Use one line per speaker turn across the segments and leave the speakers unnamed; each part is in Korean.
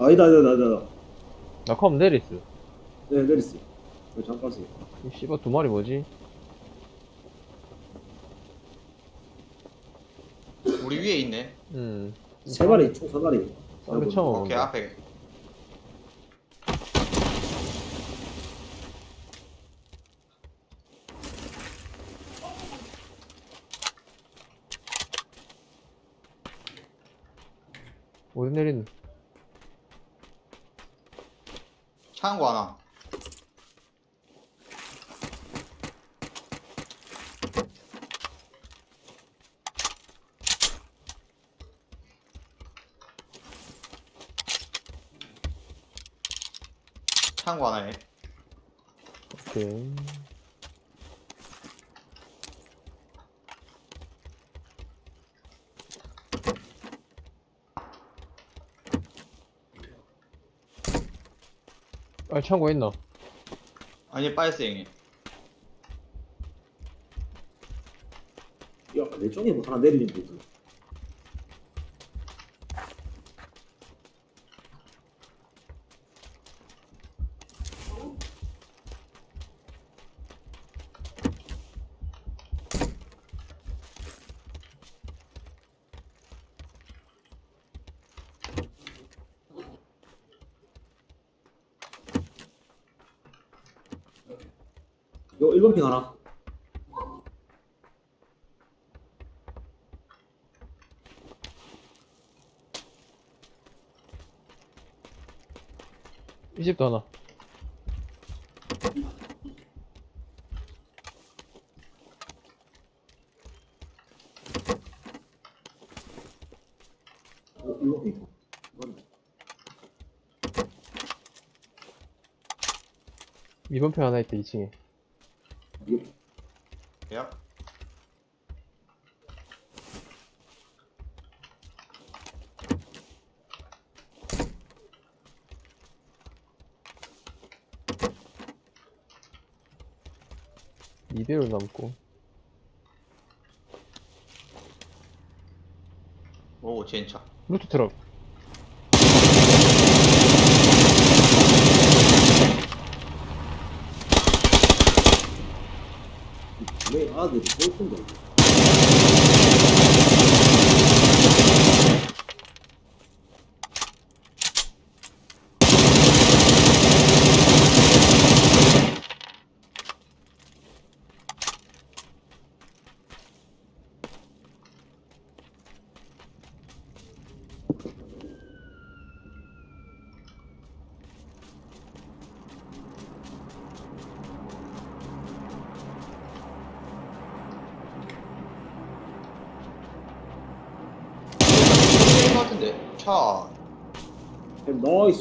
아니다.
나 컴 내리스.
네, 내리스. 잠깐 세요.
이 씨발 두 마리 뭐지?
우리 위에 있네.
음.
세 마리, 총 세 마리.
쌍배 처음
오케이,
온다.
앞에.
어디 내리는?
창고 하나. 창고 하나에.
오케이. 아, 창고에 있나?
아니, 빠졌어, 형님.
야, 내 쪽에 뭐 하나 내리는 데 있어. 요 1번 핑 하나.
이 집도 하나.
요 1번 핑. 맞네.
2번 편 하나 있다, 2층에.
이게
야.
이대로 남고.
오, 진짜.
루트 트럭.
왜 아들이 꼴픈데 이게.
게임 같은데. 차.
나이스.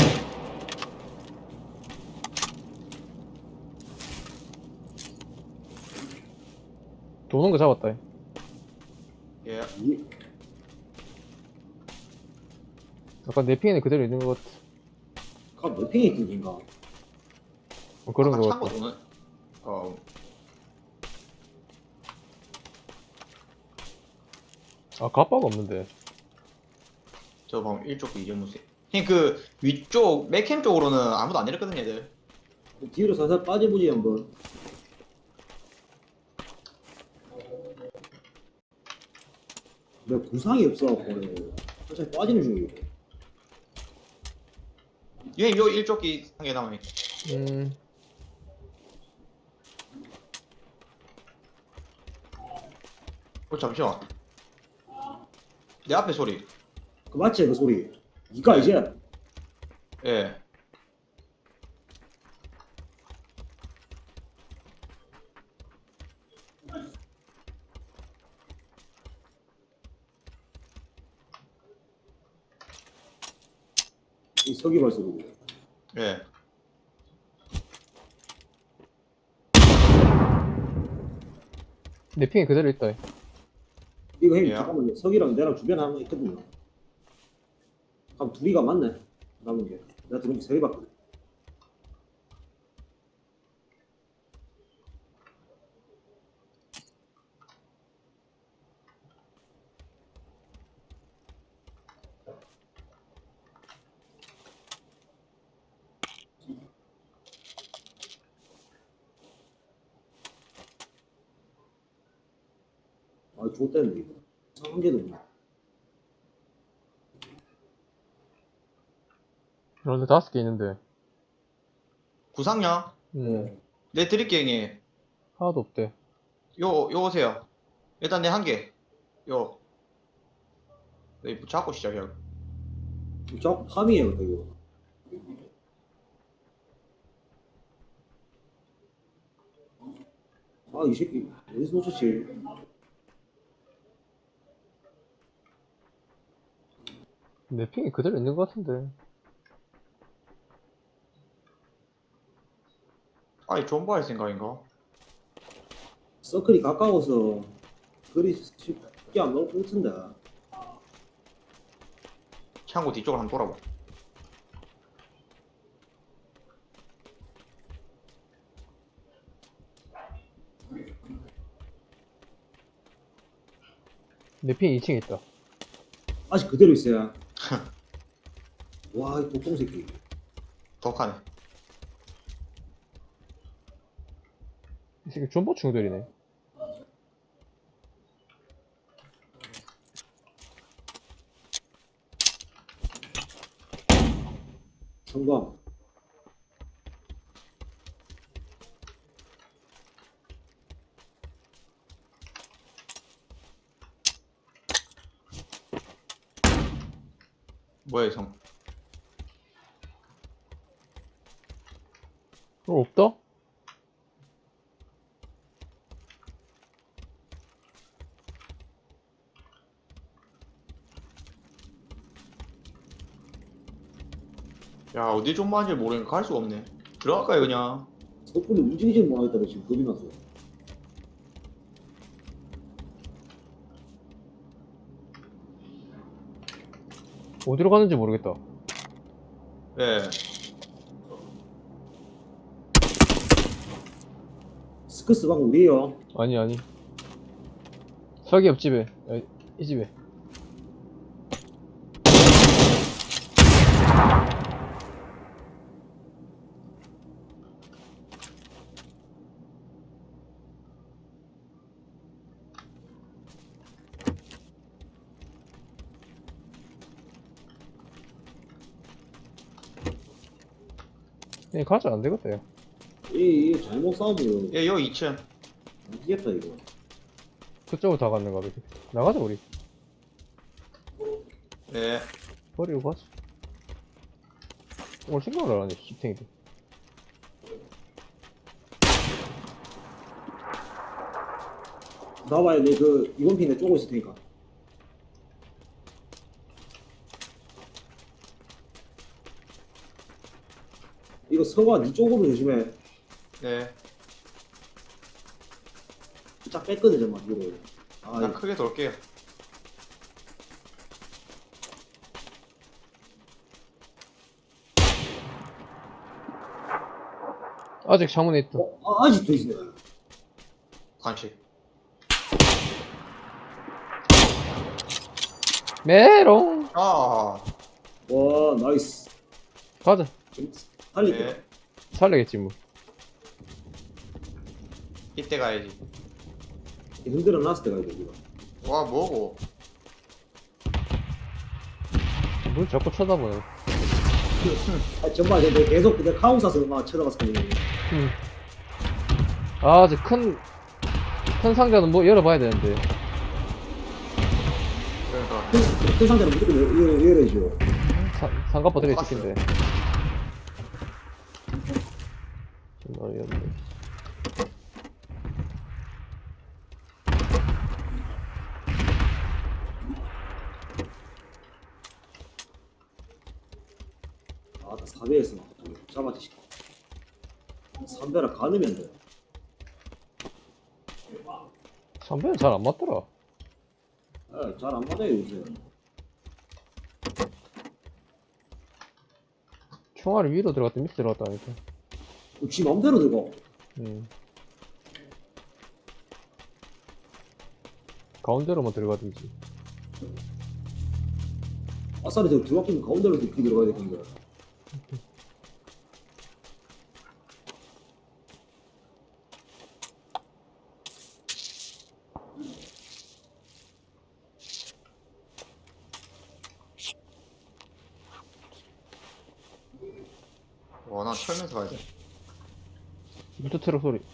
도는 거 잡았다.
예.
이
아까 내 핑에는 그대로 있는 것 같아.
몇 핑이 있던 긴가?
그런
아까
거
창고
같다.
도는. 어.
아, 갑바가 없는데.
저 방금 1쪽 이정무세. 형님, 그 위쪽 맥캠 쪽으로는 아무도 안 내렸거든, 얘들.
뒤로 살살 빠져보지 한번. 내 구상이 없어갖고 살짝 빠지는 중이고.
형님, 요 1쪽이 한 개 남아있.
음.
잠시만. 내 앞에 소리.
그 맞지 그 소리. 니가 이제
예.
이 서기발 소리고.
예.
내 핑에 그대로 있다.
이거 형님
예.
잠깐만요. 석이랑 내랑 주변에 하나 있거든요. 그럼 둘이가 맞네. 남은 게. 내가 들은 게 3개밖에. 아, 좋대는데 이거. 한 개도 없네.
그런데 5개 있는데.
구상량?
음.
내 드릴게 형님.
하나도 없대.
요 오세요. 일단 내 한 개. 요. 여기 잡고 시작해요.
저 파밍이에요, 이거. 아, 이 새끼 어디서 놓쳤지?
내 핑이 그대로 있는 것 같은데.
아니 존버 할 생각인가?
서클이 가까워서 그리 쉽게 안 나올 것 같은데.
창고 뒤쪽을 한번 돌아봐.
내 핑이 2층에 있다.
아직 그대로 있어요. 와, 이 독동 새끼.
독하네.
이 새끼 존버 충돌이네.
성광.
뭐야 형?
없다?
야 어디 존버한지 모르니까 갈 수가 없네. 들어갈까요 그냥?
섣불리 움직이지 못하겠다가 지금 겁이 났어.
어디로 가는지 모르겠다.
예.
스크스 방 우리에요.
아니, 아니. 설기 옆집에. 아, 이 집에. 그냥 가자, 안 되겠다, 야.
이 잘못 싸우면
예 여기 2층.
안 되겠다 이거.
그쪽으로 다 갔는 거야. 나가자, 우리.
예.
버리고 가자. 오늘 생각을 안 하네, 씹탱이들.
나와봐요. 내 그 이번 핀에 쪼고 있을 테니까. 이거 서가 니 쪽으로 조심해.
네.
쫙 뺐거든 정말 이거. 아,
난 크게 돌게요.
아직 창문에 있다.
아직도 있네.
관식.
메롱!
아.
와, 나이스.
가자.
살릴게.
예.
살려겠지, 뭐.
이때 가야지.
흔들어 놨을 때가 이거 이거.
와 뭐고?
뭘 자꾸 쳐다보네.
아, 정말 내가 계속 내가 카운 사서 막 쳐다봤었거든요.
아, 이제 큰 상자는 뭐 열어봐야 되는데.
그러니까
큰 상태는 무조건 열어야죠.
상가포 들이 찍힌데. 좀 어이없네.
아, 나 4배에서 막 잡아지. 3배라 가누면 돼.
선배는 잘 안 맞더라.
아, 잘 안 맞아요 요새.
총알이 위로 들어갔다 밑에 들어갔다니까.
지 맘대로 들어.
가운데로만 들어가든지.
아싸리 저 들어가면 가운데로 이렇게 들어가야 되는 거야.
와, 나 털면서 가야 돼.
물트 트럭 소리.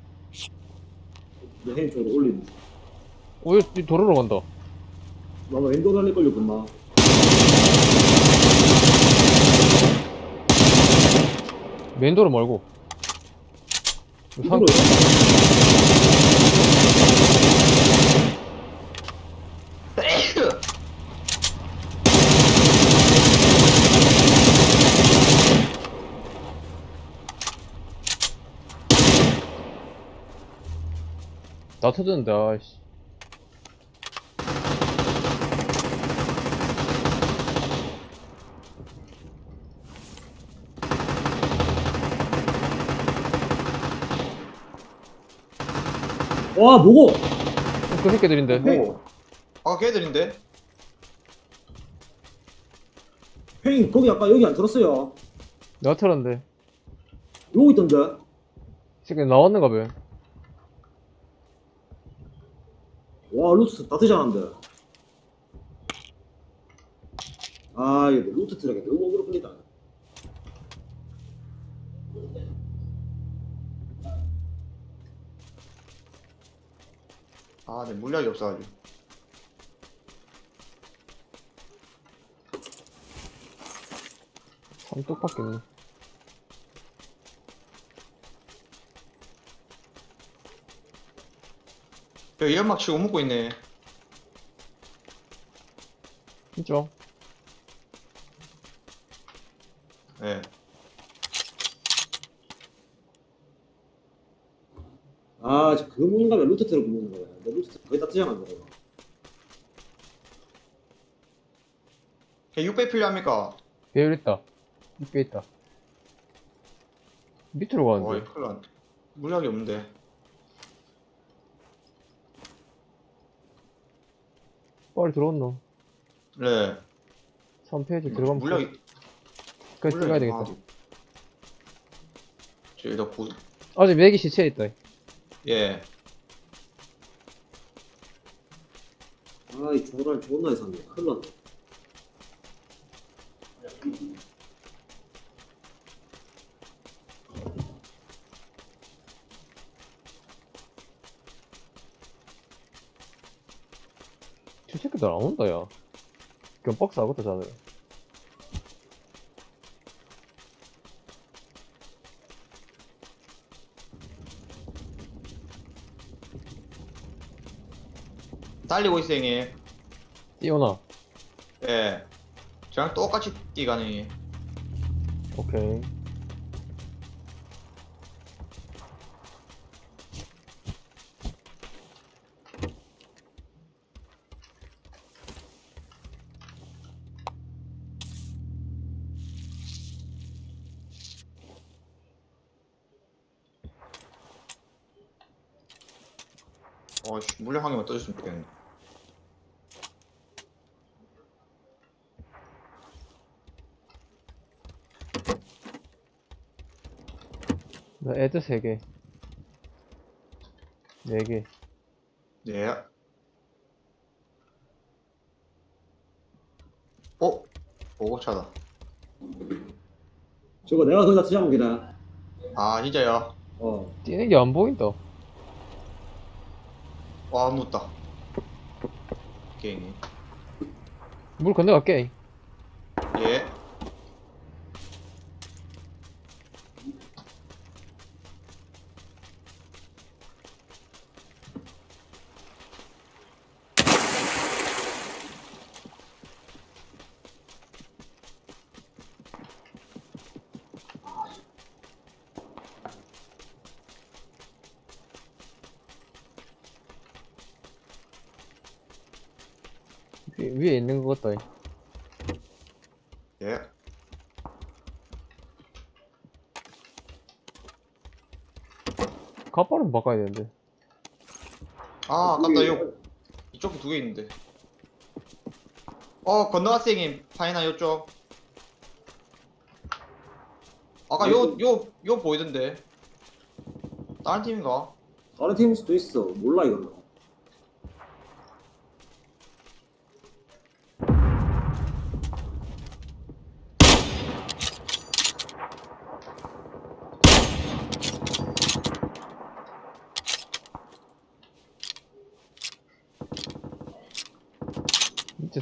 내 헤인 쪽으로 올리는.
이 도로로 간다.
나도 엔도 달릴걸요, 금방.
메인 도로 말고.
이쪽으로.
나 터졌는데, 아이씨.
와, 뭐고?
그 새끼들인데.
오. 아까 걔들인데?
헤인, 거기 아까 여기 안 들었어요.
내가 털었는데.
여기 있던데.
이 새끼 나왔는가 봐.
와, 루트 다 되잖아는데. 아, 이거 루트 트랙에 너무 어그로 끌리다.
아, 내 물약이 없어가지고.
삼뚝밖에 없네.
여기 연막 치고 먹고 있네.
진짜?
예.
아, 저 그거 먹는 거면 루트 트랙 먹는 거야. 내 루트 트랙 거의 다 되잖아, 저거.
걔 600 필요합니까?
배율 있다. 입에 있다. 밑으로
와,
가는데.
이 큰일 났네. 물약이 없는데.
빨리 들어온노.
네.
3페이지 들어가면
물약이.
끝까지 찍어야 되겠다.
저기다 고,
아직 맥이 시체에 있다.
예.
아, 이 조랄 존나 이상해. 큰일 났네.
저 새끼들 안 온다, 야. 견박스 하겠다, 자네.
달리고 있어, 형님.
뛰어나.
예. 저랑 똑같이 뛰가네.
오케이.
물약 한 개만 떠줬으면 좋겠네.
나 애드 3개. 4개.
네. 어? 보고차다.
저거 내가 거기다 쓰자면 그냥.
아, 진짜요?
뛰는 게 안 보인다.
와, 묻다. 게임이.
물 건너갈게.
예.
위에 있는 것 같다.
예.
가빠름 바꿔야 되는데.
아, 아깝다. 이쪽도 2개 있는데. 건너갔어, 형님. 파이나 요쪽. 아까 요 보이던데. 다른 팀인가?
다른 팀일 수도 있어. 몰라, 이거는.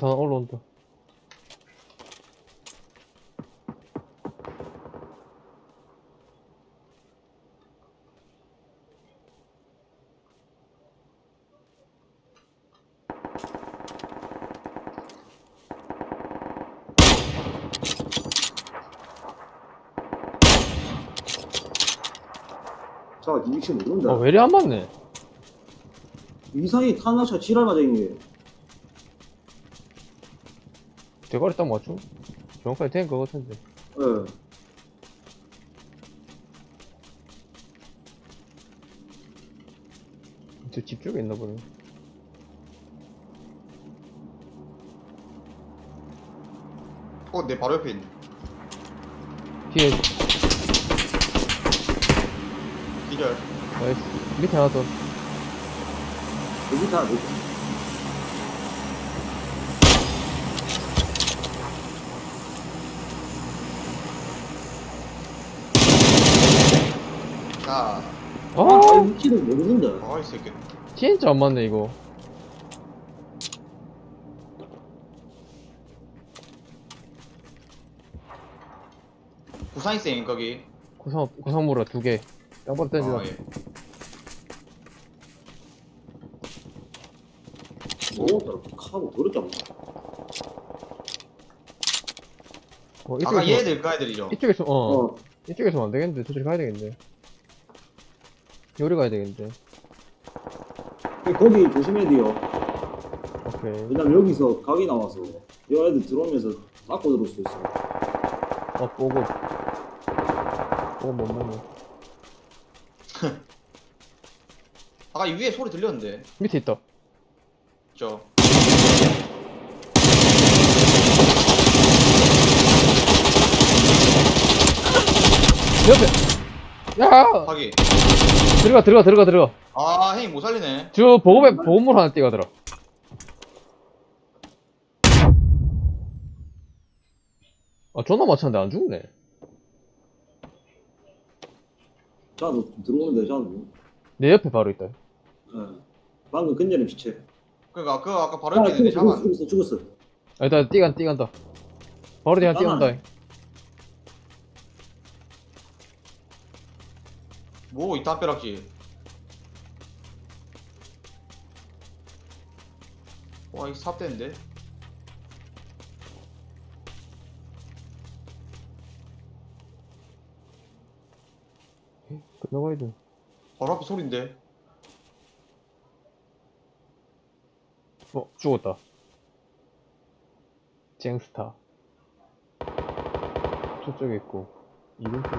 올라온다 올라온다.
자, 이 위치 모른다.
왜 이리 안 맞네.
이상이 탄나차 지랄 맞아, 이게.
대가리 딱 맞죠? 정확하게 된 거 같은데.
예.
저 집 쪽에 있나 보네.
내 바로 옆에 있네.
뒤에
기절.
나이스. 밑에 하나 더.
여기 다, 여기.
자,
아,
아
위치를 모르는데.
이 새끼.
진짜 안 맞네 이거.
부산이생 거기.
고상무라 2개. 양반 던지다.
예.
오, 카고 더럽잖아.
아까 얘들 그 애들이죠.
이쪽에서
어.
이쪽에서 안 되겠는데 저쪽에 가야 되겠는데. 요리 가야 되겠는데.
거기 조심해야 돼요.
오케이.
왜냐면 여기서 각이 나와서 이 애들 들어오면서 닦고 들어올 수도 있어.
보고 못 먹네.
아까 이 위에 소리 들렸는데.
밑에 있다.
저.
옆에. 야.
하기.
들어가.
아, 형님 못 살리네.
저 보급물 하나 띄가더라. 존나 맞췄는데 안 죽네.
자, 너 들어오는데, 자, 너.
내 옆에 바로 있다.
예. 방금 근절의 시체.
그니까 그 아까 바로
아,
옆에 있는데 잡아.
죽었어.
일단 뛰간다. 바로 뒤에 뛰간다.
뭐 이 담벼락지. 와, 이 삽대인데.
끝나가야 돼.
바로 앞에 소린데.
죽었다. 쟁스타. 저쪽에 있고, 이름표에.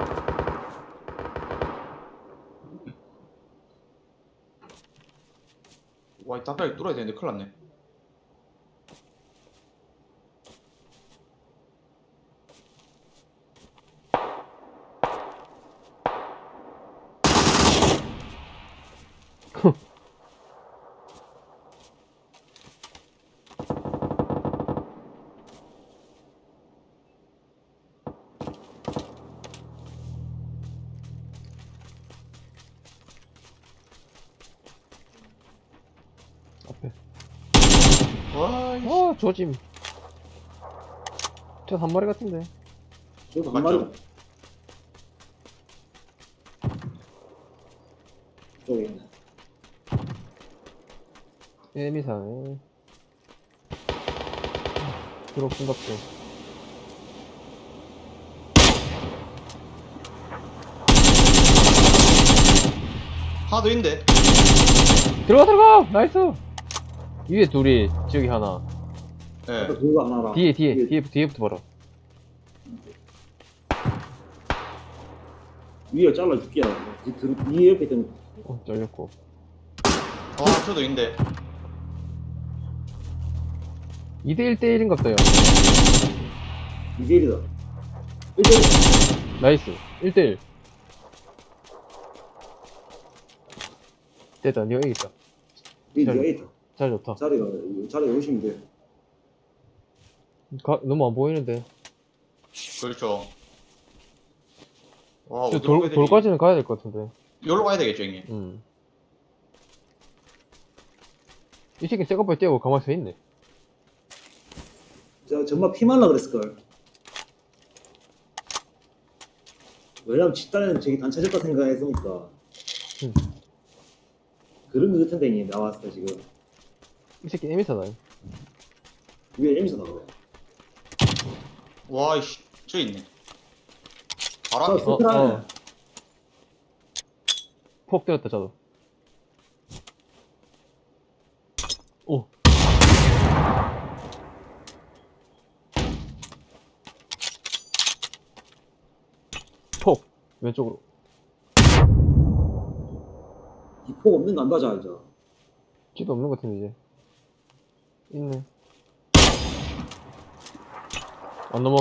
와, 이 담벼락이 뚫어야 되는데 큰일 났네.
앞에.
와, 이
조짐. 저 한 마리 같은데.
저도 한 마리. 저기 있네.
에미사네. 드롭 중갑죠.
하나 더 있는데.
들어가! 나이스! 위에 둘이, 저기 하나.
예.
그거 하나랑.
뒤에부터 봐라.
위에 잘라줄게. 위 옆에 있던
잘렸고.
저도 있는데.
2대1대1인갑다, 야.
이길이다. 1대1.
나이스. 1대1. 됐다, 니가 이겼다.
니가 있다.
잘 좋다.
자리가 오시면 돼.
너무 안 보이는데.
그렇죠. 와,
저
어디로 가야 되지?
돌까지는 가야 될 것 같은데.
여기로 가야 되겠죠, 형님.
이 새끼 새거빨 떼고 가만히 서 있네.
저 정말 피말라 그랬을걸. 왜냐면 집단에는 저기 단체적다 생각했으니까.
응.
그런 거 같은데 이 나왔을 때 지금
이 새끼 에미사다.
위에 에미서 나오네.
와이씨 저 있네. 바로
저
앞에.
스크라네.
폭 때렸다, 저도. 오. 폭. 왼쪽으로.
이 폭 없는 거 안 가져 알죠?
쥐도 없는 것 같은데, 이제. 있네. 안 넘어.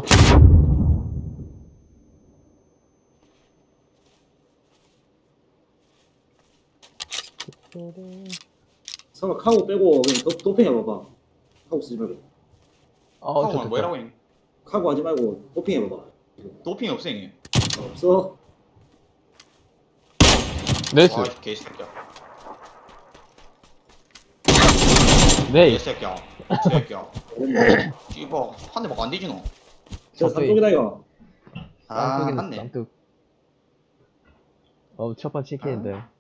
설마 카고 빼고 그냥 도핑 해봐봐. 카고 쓰지 말고.
하고만 뭐라고 형?
카고 하지 말고 도핑 해봐봐.
도핑이 없어 형님.
없어?
네이스.
아이 개새끼야.
네이스.
개새끼야. 새끼야. 씨발 한 대 막 안 뒤지노.
저 삼쪽이다 이거.
아
쌍둥이는
맞네.
쌍둥. 어우, 첫판 치킨인데.